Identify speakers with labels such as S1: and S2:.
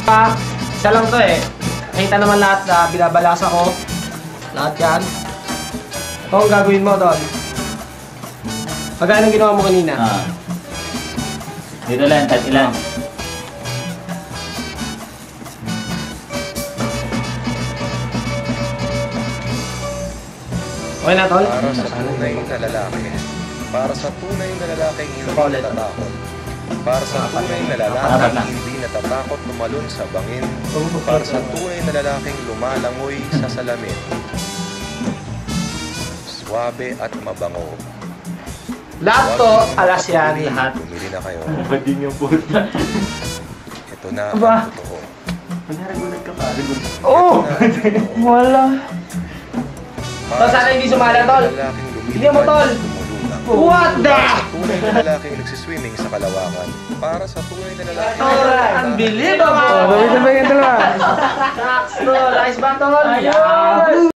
S1: Isa lang to eh. Nakita naman lahat na binabalasa ko. Lahat yan. Ito ang gagawin mo, Tol. Magkano ginawa mo kanina?
S2: Dito lang, tat ilan.
S1: Okay na, Tol?
S3: Para sa tunay na lalaki. Para sa tunay na lalaking hindi natatakot. Para sa tunay na lalaking hindi natatakot tumalon sa bangin. Para sa tunay na lalaking lumalangoy sa salamin. Suwabe at mabango.
S1: Lahat to, alas yan.
S2: Lahat.
S3: Bumili na kayo.
S2: Bading yung puta.
S3: Ito na
S2: Aba.
S3: ang totoo.
S2: Nagulat ka pa.
S1: Oo!
S2: Wala.
S1: Tol, sana hindi sumala, Tol. Hindi mo, Tol. What the?
S3: Tunay na lalaking nagsiswimming sa kalawakan. Para sa tunay na lalaking...
S1: Alright, unbelievable!
S4: Sabay-sabay yung dalawa.
S1: Tol, ayos ba, Tol? Ayos!